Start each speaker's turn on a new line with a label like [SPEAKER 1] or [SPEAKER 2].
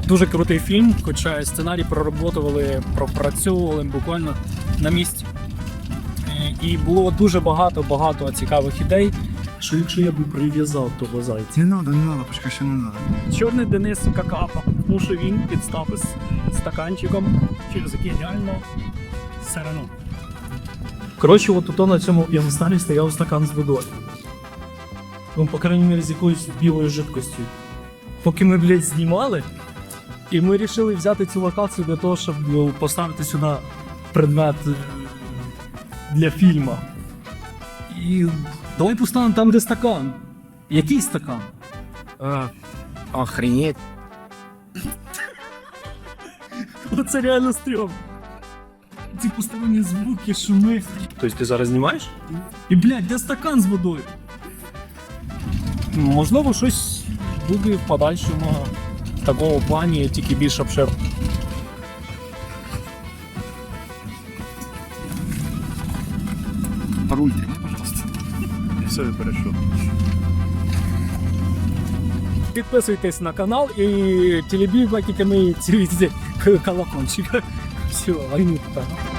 [SPEAKER 1] Дуже крутий фільм, хоча сценарій пропрацьовували буквально на місці. І було дуже багато цікавих ідей. Що якщо я би прив'язав того зайця?
[SPEAKER 2] Не надо, почекай, ще не надо.
[SPEAKER 1] Чорний Денис Какапа, тому що він підстав із стаканчиком, через який реально сирено. Коротше, от тут на цьому п'єдесталі стояв стакан з водою. Ну, по крайній мірі, з якоюсь білою жидкостю. Поки ми, блядь, знімали, і ми вирішили взяти цю локацію для того, щоб поставити сюди предмет для фільму. І давай поставимо там, де стакан. Який стакан?
[SPEAKER 3] Охренеть.
[SPEAKER 1] Оце реально стрьом. Ці посторонні звуки, шуми. Тобто ти зараз знімаєш? І, блядь, де стакан з водою? Можливо, щось буде в подальшому в такому плані, тільки більш обширно.
[SPEAKER 2] Руль тримай, пожалуйста. І все, перейшов.
[SPEAKER 1] Підписуйтесь на канал і телебій, ці колокольчик. Все, а й не так.